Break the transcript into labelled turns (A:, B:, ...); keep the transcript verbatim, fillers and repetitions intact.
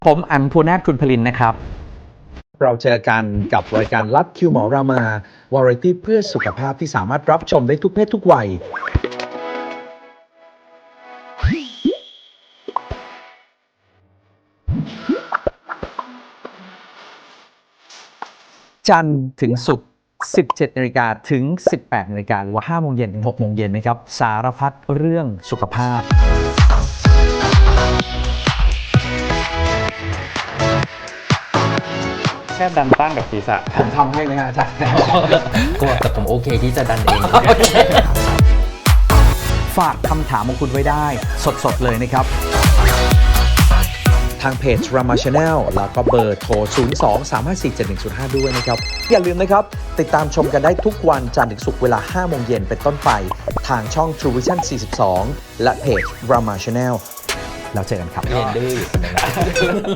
A: ผมอันภูนาถคุณพลินนะครับ
B: เราเจอกันกับรายการลัดคิวหมอรามาวาไรตี้เพื่อสุขภาพที่สามารถรับชมได้ทุกเพศทุกวัยจันทร์ถึงศุกร์สิบเจ็ดนาฬิกาถึงสิบแปดนาฬิกาหรือว่าห้าโมงเย็นถึงหกโมงเย็นนะครับสารพัดเรื่องสุขภาพ
C: แค่ดันตั้งกับศีรษะ
B: ผมทำให้ไหมฮะอาจารย์
D: ก็แต่ผมโอเคที่จะดันเอง
A: ฝากคำถามของคุณไว้ได้สดๆเลยนะครับ
B: ทางเพจ Rama Channel แล้วก็เบอร์โทร ศูนย์ สอง สาม ห้า สี่ เจ็ด หนึ่ง ศูนย์ ห้า ด้วยนะครับ อย่าลืมนะครับ ติดตามชมกันได้ทุกวันจันทร์ถึงศุกร์เวลา ห้า โมงเย็นเป็นต้นไป ทางช่อง True Vision สี่สิบสอง และเพจ Rama Channel แล้วเจอกันครับ
D: เรียนดื้ออยู่คนนึงนะ